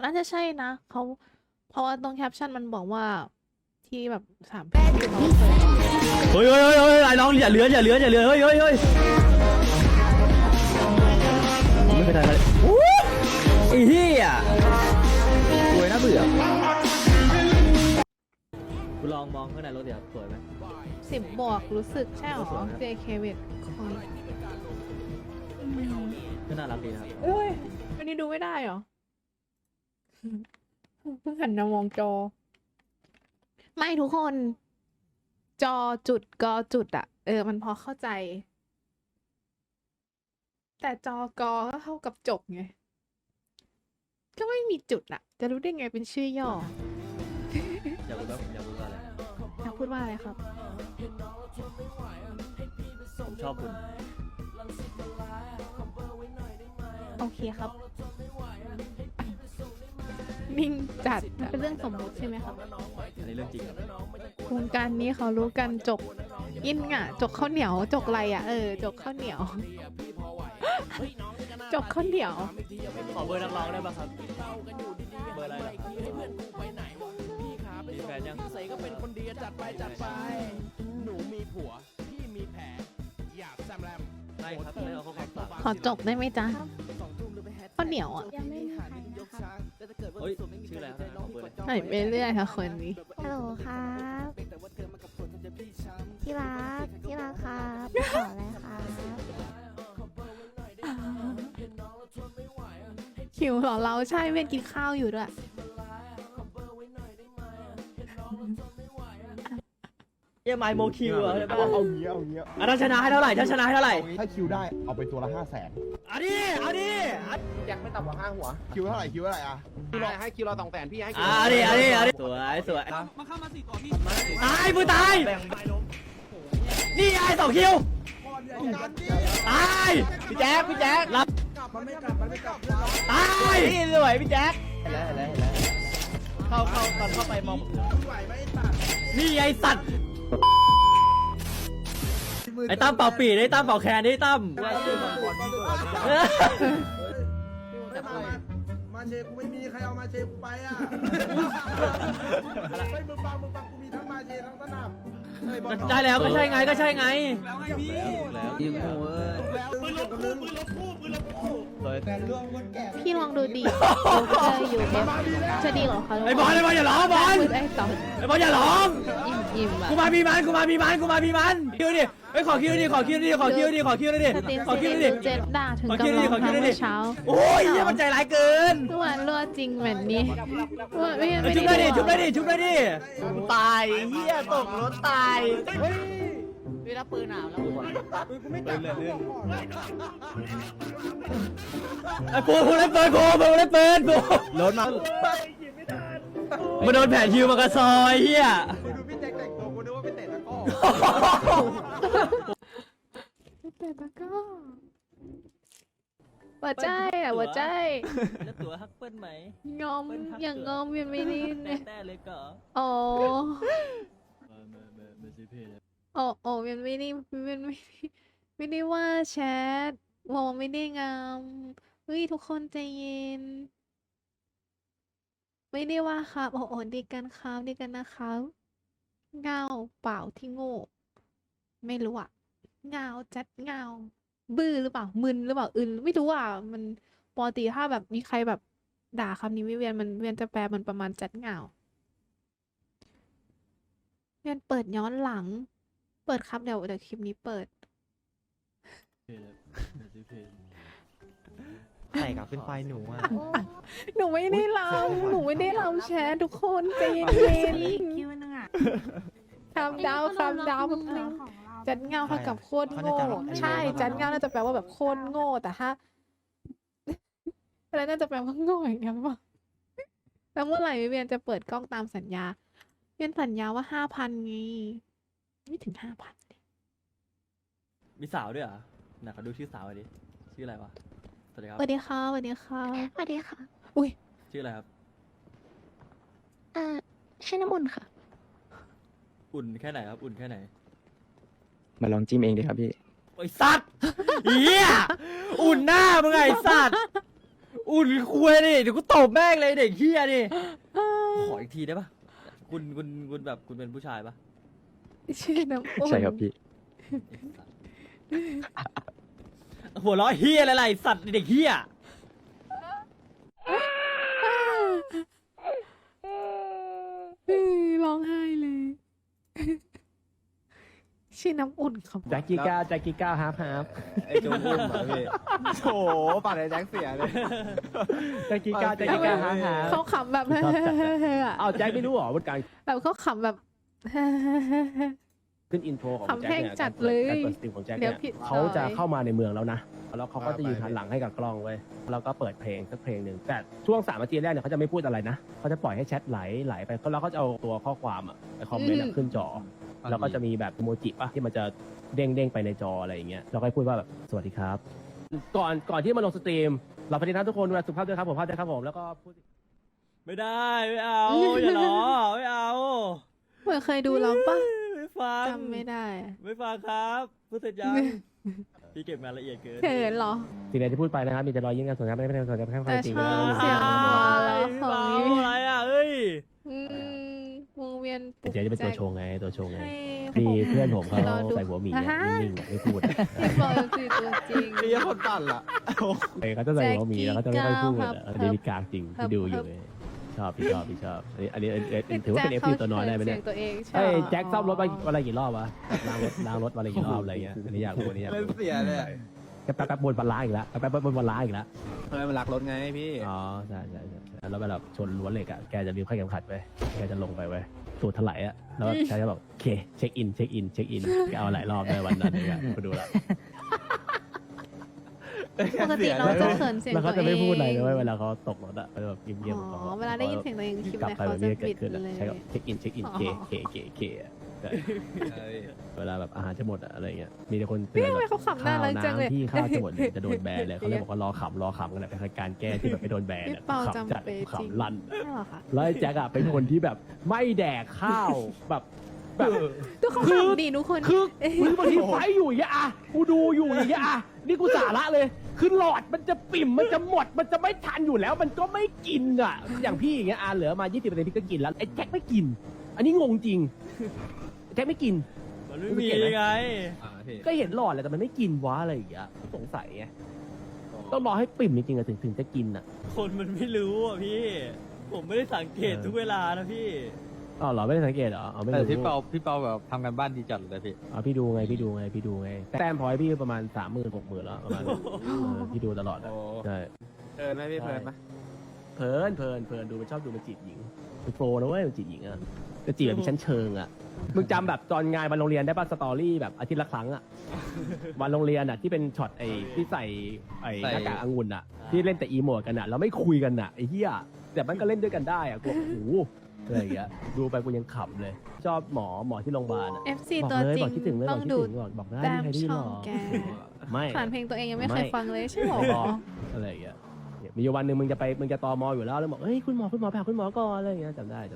น่าจะใช่นะเขาเพราะว่าตรงแคปชั่นมันบอกว่าที่แบบ3 เพลงที่เขาเคยเฮ้ยไอ้น้องอย่าเลื้อนเฮ้ยไม่เป็นไรเลยไอ้เหี้ยสวยน่าเบื่อคุณลองมองข้างในรถเดี๋ยวสวยไหม 10 บวกรู้สึกใช่หรอ JK เวทคอยก็น่ารักดีนะครับเอ้ยอันนี้ดูไม่ได้เหรอ เพิ่งหันมามองจอ ไม่ทุกคน จอจุดกอจุดอะมันพอเข้าใจ แต่จอกอก็เท่ากับจบไง ก็ไม่มีจุดอะจะรู้ได้ไงเป็นชื่อย่ออยากรู้ว่าผมอยากรู้ว่าอะไรอยากพูดว่าอะไรครับผมชอบคุณโอเคครับ นิ่งจัดอะเป็นเรื่องสมมุติใช่ไหมครับอันนี้เรื่องจริงครับวงการนี้เขารู้กันจกอินอ่ะ จกข้าวเหนียวจกอะไรอ่ะจกข้าวเหนียว จกข้าวเหนียวขอเบอร์นักร้องได้ป่ะครับเบอร์อะไรล่ะมีแฟนยังใส่ก็เป็นคนดีจัดไปหนูมีผัวพี่มีแผลอยากแซมแรมได้ครับไม่เอาข้อความฝากขอจกได้ไหมจ๊ะข้าวเหนียวอ่ะยังไม่มีใครค่ะเฮ้ยชื่ออะไรครับขอเบอร์เลยไหนไปเรื่อยค่ะคนนี้ฮัลโหลครับที่รักครับขออะไรครับหิวเหรอเราใช่เวียนกินข้าวอยู่ด้วยเยี่ยมไมโมคิวเหรอเอาเงี้ยอ่ะถ้าชนะให้เท่าไหร่ถ้าชนะให้เท่าไหร่ถ้าคิวได้เอาไปตัวละ500,000 เอาดิอยากไม่ต่ำกว่า5 หัวคิวเท่าไหร่อ่ะให้คิวเรา200,000พี่ให้คิวเอาดิสวยตายมือตายนี่ไอ้2 คิวตายพี่แจ๊ครับตายนี่สวยพี่แจ๊คเข้าตอนเข้าไปมองนี่ไอ้สัตว์ไอ้ตั้มเป่าปีไอ้ตั้มเป่าแคนไอ้ตั้มมาเชกูไม่มีใครเอามาเชกูไปอ่ะไม่มึงฟังกูมีทั้งมาเชทั้งสนับได้แล้วก็ใช่ไงยิงหัวพี่ลองดูดิอยู่เอฟจะดีเหรอคะไอ้บอลอย่าร้องบอลไอ้ต่อไอ้บอลอย่าร้องอิ่มอ่ะกูมามีมันคิวดิไอ้ขอคิวดิดิสตรีมขอคิวซีดิเจ็ดด่าถึงกับร้องไห้เมื่อเช้าโอ้ยเนี่ยมันใจร้ายเกินเมื่อวานรั่วจริงแบบนี้ไม่ชุบได้ดิตายเฮียตกรถตายเวลาปืนหนาวแล้วกูไม่จับไอ้ปูเล่นปืนรถมาโดนแผนฮิวมากระซอยเฮียกูดูพี่แจ็คแต่งตัวกูนึกว่าไปเตะตะก้อแต่ละก็หัวใจอ่ะหัวใจแล้วตัวฮักเปิ้ลไหมงอมอย่างงอมยังไม่ได้เนี่ยแต่เลยก็โอ้ไม่ใช่เพศโอ้ยังไม่ได้ไม่ได้ว่าแชทวงไม่ได้งามเฮ้ยทุกคนใจเย็น ไม่ได้ว่าครับโอ้ดีกันครับดีกันนะครับเงาเปล่าที่โง่ ไม่รู้อ่ะเงาจัดเงาบื้อหรือเปล่ามึนหรือเปล่าอึนไม่รู้อ่ะมันปกติถ้าแบบมีใครแบบด่าคำนี้ไม่เวียนมันเวียนจะแปลมันประมาณจัดเงาเวียนเปิดย้อนหลัง เปิดครับเดี๋ยวคลิปนี้เปิดใส่กับขึ้นไฟหนูอ่ะหนูไม่ได้ลำหนูไม่ได้ลำแชร์ทุกคนใจเย็นคิวนึงอ่ะๆคำดาวแป๊บนึงจัดเงาเท่ากับโคตรโง่ใช่จัดเงาน่าจะแปลว่าแบบโคตรโง่แต่ถ้า อะไรน่าจะแปลว่าโง่อย่างเดียวหรือเปล่าแล้วเมื่อไหร่วิเวียนจะเปิดกล้องตามสัญญาเวียนสัญญาว่า5,000ไงไม่ถึง5,000เลยมีสาวด้วยเหรอไหนขอดูชื่อสาวหน่อยดิชื่ออะไรวะสวัสดีครับสวัสดีค่ะสวัสดีค่ะสวัสดีค่ะอุ้ยชื่ออะไรครับชื่อน้ำอุ่นค่ะอุ่นแค่ไหนครับอุ่นแค่ไหนมาลองจิ้มเองดิครับพี่ไอ้สัตว์เหี้ยอุ่นหน้ามึงไอ้สัตว์อุ่นคุยดิเดี๋ยวกูตบแม่งเลยเด็กเฮียดิขออีกทีได้ปะคุณแบบคุณเป็นผู้ชายปะชื่อน้ำอุ่นใช่ครับพี่หัวเราะเฮียอะไรสัตว์เด็กเฮียร้องไห้เลย ชื่อน้ำอุ่นครับแจ็คกี้ก้าฮาร์ฟไอ้โจอุ้มอ่ะพี่โอ้โหปากไอ้แจ็คเสียเลยแจ็คกี้ก้าฮาร์ฟเขาขำแบบเอาแจ็คไม่รู้หรอว่าการแบบเขาขำแบบขึ้นอินโทรของทำแจ็คเพลงเนี่ยจัดเลยการเปิดสตรีมของแจ็คเดี๋เนี่ยวย ผิดเขาจะซอยเข้ามาในเมืองแล้วนะแล้วเขาก็จะยืนหันหลังให้กับกล้องไว้แล้วก็เปิดเพลงสักเพลงหนึ่งแต่ช่วง3 นาทีแรกเนี่ยเขาจะไม่พูดอะไรนะเขาจะปล่อยให้แชทไหลไปแล้วเขาจะเอาตัวข้อความอะไปคอมเมนต์อะขึ้นจอ แล้วก็จะมีแบบโมจิป่ะที่มันจะเด้งไปในจออะไรอย่างเงี้ยเราก็พูดว่าแบบสวัสดีครับ ก่อนที่มาลงสตรีมเราปฏิทัศน์ทุกคนดูแลสุขภาพด้วยครับผมภาพด้วยครับผมแล้วก็พูดไม่ได้ไม่เอาอย่าล้อไม่เอาเหมือนเคยดูเราปะไม่ฟังจำไม่ได้ไม่ฟังครับพูดเสร็จยังพี่เก็บงานละเอียดเกินเขินเหรอสิ่งใดที่พูดไปนะครับมีแต่รอยยิ้มกันส่วนครับไม่ได้ส่วนครับแค่ความแต่จริงชอบนะเสียงหัวเราะพี่ของเบายิ้มอะไรอ่ะเอ้ยวงเวียนปลุกเจ๊จะเป็นตัวใจโชว์ไงตัวโชว์ไงให้มีผมเพื่อนผมเขารอดูใส่หัวหมีอ่าฮะนิ่งๆไม่พูดพี่บอยคือตัวจริงไอ้ยคนปั่นล่ะเขาจะใส่หัวหมีแล้วเขาจะไม่ค่อยพูดครับอันนี้มีกลางจริงที่ดูอยู่เลยชอบพี่ชอบอันนี้ถือว่าเป็นเอฟซีตัวน้อยได้ไหมเนี่ยสีงตัวเองใช่เอ้ยหรอแจ็คซ่อมรถวันละกี่รอบวะล้างรถวันละกี่รอบอะไรเงี้ยอันนี้อยากรู้อันนี้อยากเล่นรู้เสียเลยอะแป๊บๆบนบนล้างอีกแล้วแป๊บๆบนบนล้างอีกแล้วทำไมมันรักรถไงพี่อ๋อใช่แล้วเวลาชนรั้วเหล็กอ่ะแกจะลืมค่าเข็มขัดไปแกจะลงไปไว้สูดถลายอ่ะแล้วแกจะแบบโอเคเช็คอินแกเอาหลายรอบเลยวันนั้นเลยไปดูแล้วปกติเราจะเขินเสียงแล้วตัเขาวจะเอไม่งพูดอะไรเลยเวลาเขาตกรถอะแบบเงียบๆของอ๋เขาอเวลาได้ยินเสียงตัวเองคลิปกลับแรกไปเขาแบบจะนี้เกิปิดดขึ้นอะเลยใช่ครับเช็คอินเคเวลาแบบอาหารจะหมดอะอะไรเงี้ยมีแต่คนเตือนทำไมแบบเขาขำน่ารักจังเลยที่ข้าวจะหมดเนี่ยจะโดนแบนเลยเขาเลยบอกว่ารอขำกันแหละเป็นการแก้ที่แบบไม่โดนแบนพี่อะเปาขำจัดจำเป็นจริงขำลั่นใช่เหรอคะแล้วไอ้แจ็คอะเป็นคนที่แบบไม่แดกข้าวแบบทุกคนขำดีทุกคนคือบางทีไฟอยู่อย่างเงี้ยอะกูดูอยู่อย่างเงี้ยอะนี่กูสาระเลยคือหลอดมันจะปิ่มมันจะหมดมันจะไม่ทันอยู่แล้วมันก็ไม่กินอะอย่างพี่อย่างเงี้ยเหลือมา 20%พี่ก็กินแล้วไอ้แจ็คไม่กิน อันนี้งงจริงแจ็คไม่กินมันไม่มีไงก็เห็นหลอดแหละแต่มันไม่กินวะอะไรอย่างเงี้ยสงสัยไงต้องรอให้ปิ่มจริงๆอะถึงจะกินอะคนมันไม่รู้อ่ะพี่ ผมไม่ได้สังเกตทุกเวลานะพี่อ๋อเหรอไม่ได้สังเกตเหรออ๋อไม่แต่รู้พี่เปาแบบทำกันบ้านดีจัดเลยพี่อ๋อพี่ดูไงแต้มพอยต์พี่ประมาณ 30,000-60,000แล้วประมาณนั้นพี่ดูตลอดอะใช่เพลินไหมพี่เพลินไหมเพลินดูมันชอบดูมันจีบหญิงมันโปรนะเว้ยมันจีบหญิงอะจะจีบแบบมีชั้นเชิงอะมึงจำแบบตอนงานวันโรงเรียนได้ป่ะสตอรี่แบบอาทิตย์ละครั้งอะวันโรงเรียนอะที่เป็นช็อตไอ้ที่ใส่ไอ้หน้ากากองุ่นอะที่เล่นแต่อีโมดกันอะเราไม่คุยกันอะไอ้เหี้ยแต่มันก็เล่นด้วยกันได้อะกูโอ้โหอะไรอย่างเงี้ยดูไปกูยังขำเลย ชอบหมอที่โรงพยาบาลอะ FC บอกตัวเลยจริบอกคิดถึงเลยต้องดูบอกได้แต้มใครที่ช่หอรง อแกไม่ขนาดเพลงตัวเองยังไม่เคยฟังเลยใช่หรออะไรอย่างเงี้ยเนี่ยมีอยู่วันหนึ่งมึงจะตมอยู่แล้วบอกเฮ้ยคุณหมอไปหาคุณหมอก่อนอะไรอย่างเงี้ยจำได้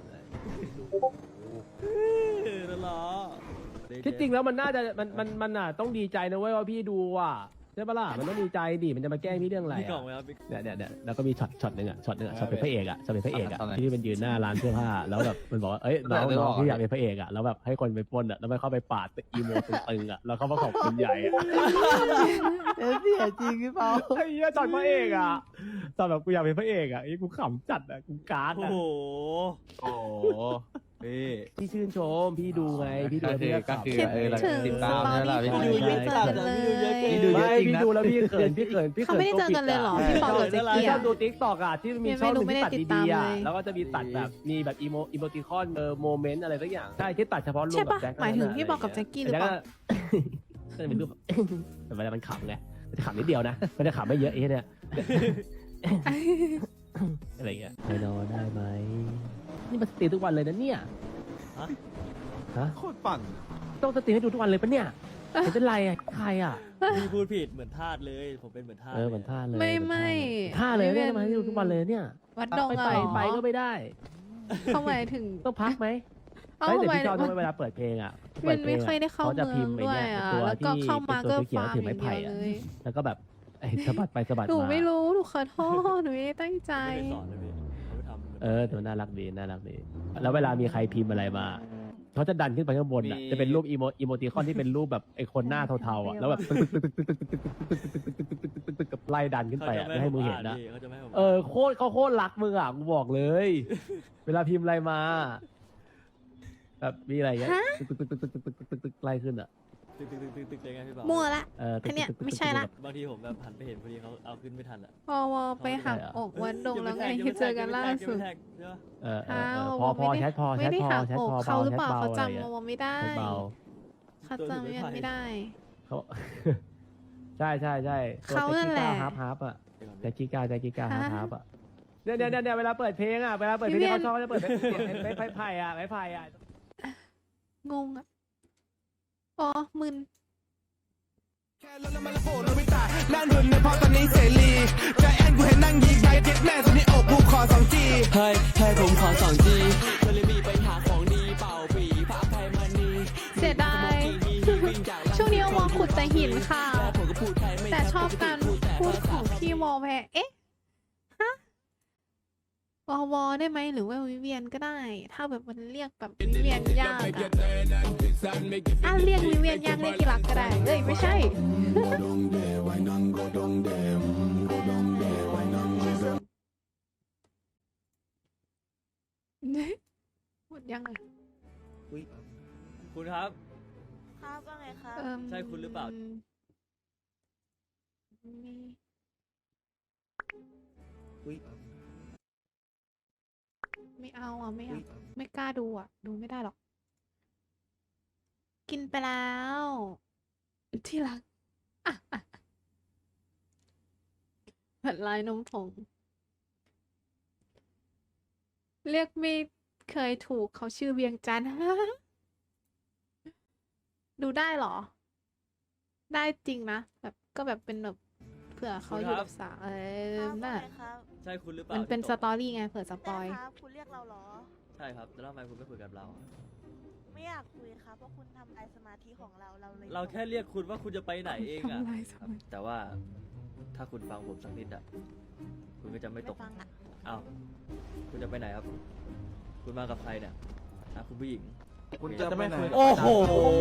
นั่นเหรอที่จริงแล้วมันน่าจะมันน่ะต้องดีใจนะเว้ยว่าพี่ดูอ่ะใช่ปะล่ะมันต้องดีใจดิมันจะมาแกล้งพี่เรื่องอะไรมีกล่องอะไหมครับเนี่ยแล้วก็มีช็อตหนึ่งช็อตเป็นพระเอกอะที่มันยืนหน้าร้านเสื้อผ้าแล้วแบบมันบอกว่าเอ้ยน้องพี่อยากเป็นพระเอกอะแล้วแบบให้คนไปปล้นอะแล้วมันเข้าไปปาดอีโมตึงๆอะแล้วเขามาขอบคุณใหญ่อะเสียจริงพี่เปาไอ้เหี้ยช็อตพระเอกอะตอนแบบกูอยากเป็นพระเอกอะไอ้กูขำจัดอะกูการ์ดโอ้อะโหโอ้พี่พี่ชื่นชมพี่ดูไงพี่ดูแล้วพี่ก็ก็ขำคือคิดเราถึงติดสตามตอนี่แหละรี่พี่ของดูไม่เจอกันเลยนี่ดูเยอะไม่จริงพี่นะดูแล้วพี่เขินเขาไม่ได้เจอกันเลยเหรอพี่ปอกับแจ็คพี่กี้ชออะบดูติ๊กตอกอะที่มีช่องหนึ่งที่ตัดไม่ได้ติดตามดีๆอะเลยแล้วก็จะมีตัดแบบมีแบบอีโมติคอนโมเมนต์อะไรสักอย่างใช่ที่ตัดเฉพาะรูปใช่แบปะบแจ็คหมายถึงพี่บอกกับแจ็คกี้หรือเปล่าก็จะเป็นรูปแบบ แต่เวลามันขำไงมันจะขำนิดเดียวนะมันจะขำไม่เยอะไอ้เนี่ยอะไรเงี้ยไปนอนได้ไหมนี่มันสตรีมทุกวันเลยนะเนี่ยฮะโคตรปั่นต้องสตรีมให้ดูทุกวันเลยปะเนี่ยเป็นไรอะใครอะพี่พูดผิดเหมือนทาสเลย ผมเป็นเหมือนทาสเหมือนท่าเลยไม่ท่าเลยเนี่ยมาให้ดูทุกวันเลยเนี่ยวัดดงไปอะเหรอไปก็ไม่ได้เขาหมายถึงต้องพักไหมเอ้าเฮ้ยแต่ทำไมพี่ชอบด้วยเวลาเปิดเพลงอ่ะมันไม่ค่อยได้เข้าจะเมืพิอมงพ์ไปด้วยเนี่ยอ่ะตัวแล้วก็ที่เข้ามาตัวก็เขียวฟาร์มถืออไม้ย่างไผ่เดียวอะเลยแล้วก็แบบไอ้สะบัดไปสะบัดหนูมาไม่รู้หนูขอโทษหนูไม่ได้ตั้งใจไม่ได้สอนนะพี่เขาไปทำแต่มันน่ารักดีน่ารักดีแล้วเวลามีใครพิมพ์อะไรมาเขาจะดันขึ้นไปข้างบนอ่ะมีจะเป็นรูปอีโมติคอนที่เป็นรูปแบบไอ้คนหน้าเทาๆอ่ะแล้วแบบตึกกับไล่ดันขึ้นไปอ่ะไม่ให้มึงเห็นนะเขาจะไม่ให้ผมเขาโคตรรักมึงอ่ะกูบอกเลย เวลาพิมพ์อะไรมาแบบมีอะไรเงี้ยตึกไล่ขึ้นอ่ะตึกเลยไงพี่บ่าวมั่วละตึกอันเนี้ยไม่ใช่ละบางทีผมแบบหันไปเห็นพอดีเขาเอาขึ้นไม่ทันอ่ะวอไปหักอกวันดงแล้วไงที่เจอกันล่าสุด อ้าวพอแชทพอไม่ได้หักแชทอกพอเขาหรือเปล่าแชทเขาอะไรจำเงี้ยวอไม่ได้แชทเบาเขาจำยังไม่ได้เขา ใช่ตัวเขานั่นแหละฮาร์ปอ่ะแจ็คกี้ก้าฮาร์ปอ่ะเนี่ยเวลาเปิดเพลงอ่ะเวลาเปิดเพลงที่เขาชอบเขาจะเปิดไม้ไผ่อ่ะงงอ่ะอ๋อมึนนั่นหุ่นในพอตอนนี้เสรีใจแอนกูเห็นนั่งยิงไปเจ็ดแม่ตอนนี้อกกูขอ2G ให้ผมขอ2G ก็เลยมีไปหาของดีเป่าปีพระไพมันนีเสียดาย ช่วงนี้วอขุดแต่หินค่ะ แต่ชอบการพูดของพี่วอแวร์เอ๊ะ ฮะ วอได้ไหมหรือว่าวิเวียนก็ได้ ถ้าแบบมันเรียกแบบวิเวียนยากอะเรียกวิเวียนยากเรียกกีรักก็ได้ เอ้ยไม่ใช่ หมดยังไงคุณครับครับว่าไงครับใช่คุณหรือเปล่าไม่เอาอ่ะไม่เอาไม่กล้าดูอ่ะ ดูไม่ได้หรอก กินไปแล้ว ที่รักผัดลายนมผง เรียกไม่เคยถูกเขาชื่อเวียงจันทร์ ดูได้เหรอ ได้จริงนะแบบก็แบบเป็นแบบเผื่อเขาอยู่กับสาวน่ะใช่คุณหรือเปล่ามันเป็นสที่ตกตอรี่ไงเผื่อสปอยครับคุณเรียกเราเหรอใช่ครับแล้วทำไมคุณไม่คุยกับเราไม่อยากคุยครับเพราะคุณทำลายสมาธิของเราเลยเราแค่เรียกคุณว่าคุณจะไปไหนเองอะทำลายสครับมาธิแต่ว่าถ้าคุณฟังผมสักนิดอะคุณก็จะไม่ตกฟังอ่ะอ้าวคุณจะไปไหนครับ คุณมากับใครเนี่ยคุณผู้หญิงคุณจะไม่คุยโอ้โห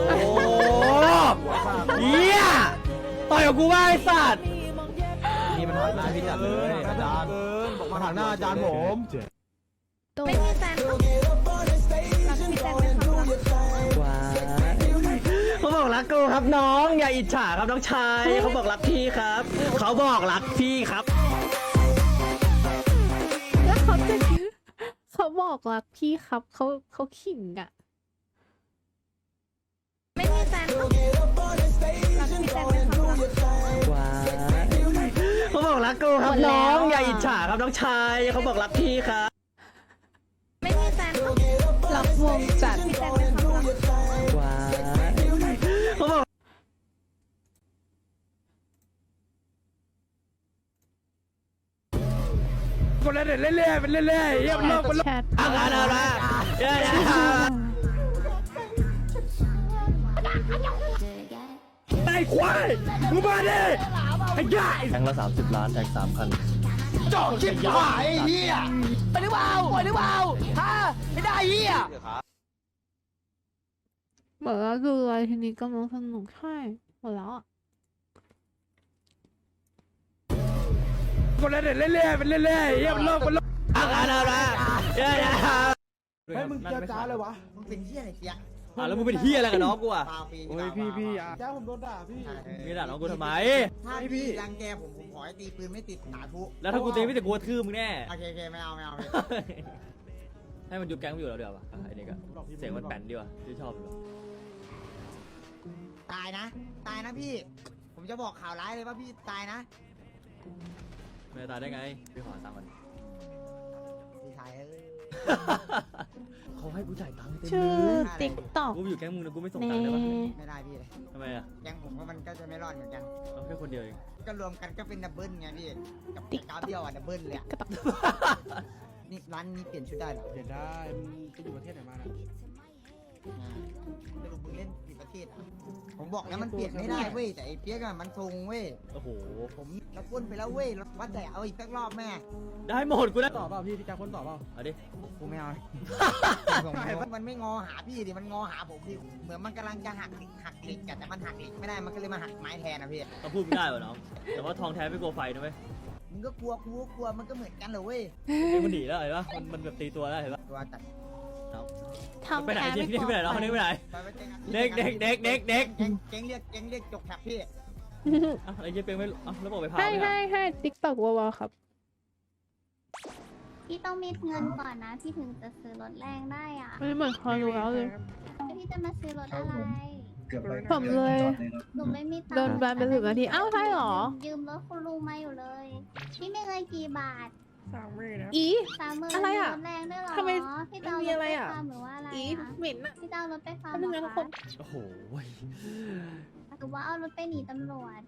เฮียต่อยกับกูว่าไอ้สัตว์นี่มันหักหน้าพี่จัดเลยอาจารย์บอกมาหักหน้าอาจารย์ผมไม่มีแฟนรักมีแฟนเป็นความรักเขาบอกรักกูครับน้องอย่าอิจฉาครับน้องชายเขาบอกรักพี่ครับ เขาบอกรักพี่ครับแล้วเขาจะเขาบอกรักพี่ครับเขาขิงอ่ะไม่มีแฟนรักมีแฟนเป็นความรักเขาบอกรักกูครับหมดแล้น้อวงอย่าอะอิจฉาครับน้องชายเขาบอกรักพี่ครับไม่มีแฟนรักรักวงจัดมีแฟนเป็นความรักเขาบอกคนละเด็ดเรื่อยๆเป็นเรื่อยๆเยี่ยมโลกมันแชทอะไรเดี๋ยวไอ้ควายมึงมาดิไอ้ใหญ่แทงละ30 ล้านแทง3,000 จ่อชิบหายไอ้เหี้ยไปหรือเปล่าฮะไม่ได้เหี้ยหมดแล้วคืออะไรทีนี้กำลังสนุกใช่หมดแล้วอ่ะคนละเด็ดเรื่อยๆเป็นเรื่อยๆเยี่ยมโลกมันอะไรเดี๋ยวให้มึงเจอจ้าเลยวะมึงเป็นเหี้ยอะไรเสียแล้วมึงเป็นเฮียอะไรกับน้องกูอ่ะโอ้ยพี่จ้าผมโดนด่าพี่มีด่าน้องกูทำไมถ้าพี่รังแกผมขอให้ตีปืนไม่ติดสาธุแล้วถ้ากูตีไม่แต่กูกระทืบมึงแน่โอเคไม่เอาพี่ให้มันยุบแก๊งไปอยู่แล้วเดี๋ยวป่ะไอ้นี่ก็เสียงมันแป่นดีว่ะที่ชอบตายนะพี่ ผมจะบอกข่าวร้ายเลยว่าพี่ตายนะไม่ตายได้ไงพี่ขอตังค์ก่อนพี่ชายเอ้ยเขาให้กูจ่ายตังค์เต็มชื่อเลยติ๊กต็อกกูอยู่แก๊งมึงนะกูไม่ส่งเน่ตังค์ได้ปะไม่ได้พี่เลยทำไมอ่ะยังผมว่ามันก็จะไม่รอดเหมือนกันเราแค่คนเดียวเองก็รวมกันก็เป็นดับเบิลไงพี่กับกราฟเดียวอ่ะดับเบิลเลยอะกระตักนี่ร้านนี้เปลี่ยนชุดได้เหรอเห็นได้มึงไปอยู่ประเทศไหนมานะไม่รู้มึงเล่นกี่ประเทศอ่ะผมผมบอกแล้วมันเปลี่ยนไม่ได้เว้ยแต่ไอ้เปียกอะมันทรงเว้ยโอ้โหผมแล้วก้นไปแล้วเว้ยว่าแต่เอาอีกสักรอบแม่ได้หมดกูได้ต่อเปล่าพี่แจ็คคนต่อเปล่าเอาดิกูไม่เอามันไม่งอหาพี่ดิมันงอหาผมดิเหมือนมันกำลังจะหักเหล็กแต่มันหักเหล็กไม่ได้มันก็เลยมาหักไม้แทนนะพี่เขาพูดไม่ได้วะน้องแต่ว่าทองแท้ไม่กลัวไฟนะเว้ยมึงก็กลัวกูก็กลัวมันก็เหมือนกันเหรอเว้ยมันหนีแล้วเห็นปะมันแบบตีตัวแล้วเห็นปะตัวตัดทำไปไหนแพ้เด็ไม่กกลัวไปไหนน้องคนนี้ไปไหนไปเจ๊งเด็กเเจ๊งเรียกจกแถบพี่อ้าวไอ้เจ๊เป็นไม่อ้าวแล้วบอกไปพาให้ไม่ให้ติ๊กตอกวอครับพี่ต้องมีเงินก่อนนะพี่ถึงจะซื้อรถแรงได้อ่ะไม่เหมือนคอรู้แล้วเลยพี่จะมาซื้อรถอะไรผมเลยหนูไม่มีตังค์โดนแบนไป10 นาทีอ้าวใช่เหรอยืมรถคุณลุงมาอยู่เลย พี่ไม่เงินกี่บาทอี 30,000 อะไรอะรถแรงด้วยเหรอทำไมพี่จะเอามีรถอะไรไปอะฟาร์มหรือว่าอะไรอีนะเหม็นอะพี่จะเอารถไปฟาร์มแป๊บเหนึรงนะอทุกคคะนโอ้โหหรือว่าเอารถไปหนีตำรวจ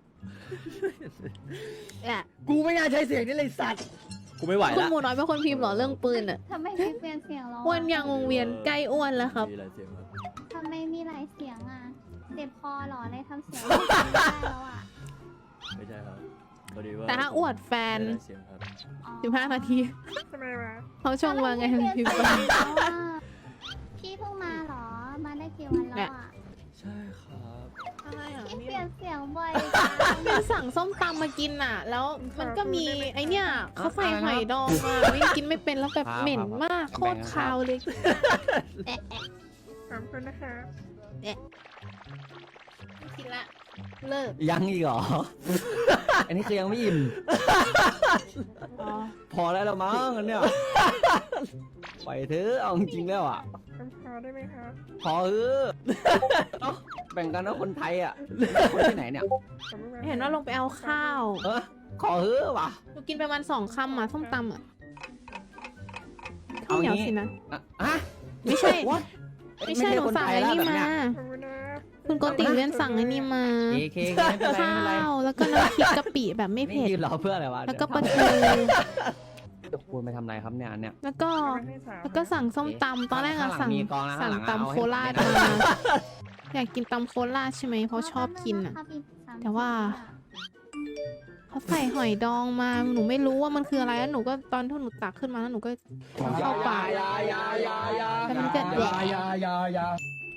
แอะกูไม่น่าใช้เสียงนี้เลยสัตว์กูไม่ไหวคุณละหมูน้อยเป็นคนพิมพ์เหรอเรื่องปืนอะทำไมพี่เปลี่ยนเสียงแล้วะอ้วนยังวงเวียนใกล้อ้วนแล้วครับมีอะไรเสียงครับทำไมมีหลายเสียงอ่ะเจ็บคอเหรอเลยทำเสียงไม่ได้แล้วอ่ะไม่ใช่ครับพอดีว่าแต่ถ้าอวดแฟนไม่ได้เสียงครับอ๋อ 15 นาทีเขาชงมาไงพิมพ์ไปแล้วอะพี่เพิ่งมาเหรอ มาได้กี่วันแล้วอ่ะใช่ครับอะไรอ่ะพี่เปลี่ยนเสียงบ่อยมินสั่งส้มตำมากินอ่ะ แล้วมันก็มีไอเนี่ยเขาใส่หอยดองมาไม่กินไม่เป็นแล้วแบบเหม็นมากโคตรคาวเลยแอะแอะขอบคุณนะคะแอะไม่กินละเลิกยังอีกเหรอ อันนี้คือยังไม่อิ่มอ๋อพอแล้วละมั้งอันเนี้ยไปเถอะเอาจริงๆแล้วอ่ะพอเออเอ้าแบ่งกันนะคนไทยอ่ะคนที่ไหนเนี่ยเห็นว่าลงไปเอาข้าวขอเฮ้อะว่ะหนูกินไปประมาณ2 คำอ่ะส้มตำอ่ะข้าเอาวเหนียวงี้สินะฮะไม่ใช่ What? ไม่ใช่หนูสั่งไอ้นี่มา คุณโกติเวียนสั่งไอ้นี่มาเคไม่เป็นไรข้าไม่เป็นไรวแล้วก็น้ำพริกกะปิแบบไม่นี่เผ็ดยืนรอเพื่ออะไรวะแล้วก็ปลาเทูดี๋ยวคุณไปทำอะไรครับเนี่ยอันเนี่ยแล้วก็สั่งส้มตำตอนแรกอะข้างหลังสั่งมีกองนะสั่งข้างหลังตำเอาให้โคราชผมมาได้อยากกินตำโคราชใช่ไหมเพราะชอบกินอะ แต่ว่า เขาใส่หอยดองมาหนูไม่รู้ว่ามันคืออะไรแล้วหนูก็ตอนที่หนูตักขึ้นมาแล้วหนูก็เข้าปากแล้วมันก็แดก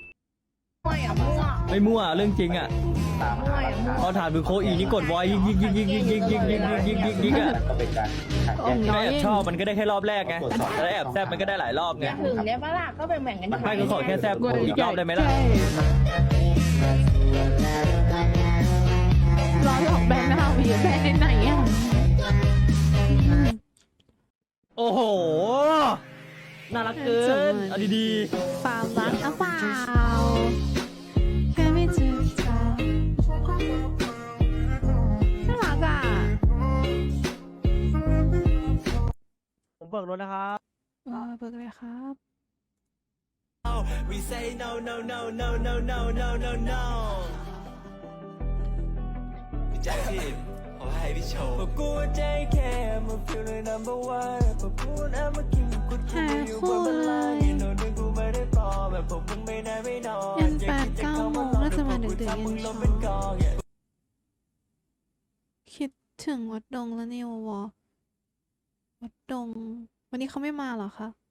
ไม่มั่วเรื่องจริงอ่ะพอถามดูโคอีนี่กดวอยยิงอ่ะอ่องน้ถ้าอยแอบชอบมันก็ได้แค่รอบแรกไงถ้าแอบแซบมันก็ได้หลายรอบไงถึงเนี่ยปะล่ะก็แบ่งๆกันไม่ก็ขอแค่แซบอีกรอบได้ไหมล่ะรอหลอกแบนหน้าวีแบนไหนอ่ะโอ้โหน่ารักเกินเอาดีความรักหรือเปล่าแค่ไม่เจอเธอน่ารักอ่ะผมเบิกรถนะครับเบิกเลยครับ We say no no no no no no no no no พี่แจ็คพี่ขอให้พี่โชว์บอกกูใจแค่มา feel the number one บอกกูนะมากินกูอยู่บนบันลังก์โดนดึงกูไม่ได้ปลอมแบบผมมึงไม่ได้ไม่นอนยัน8-9 โมงน่าจะมาดึกๆยันเช้าคิดถึงวัดดงแล้วเนี่ยวอวัดดง วันนี้เขาไม่มาเหรอคะ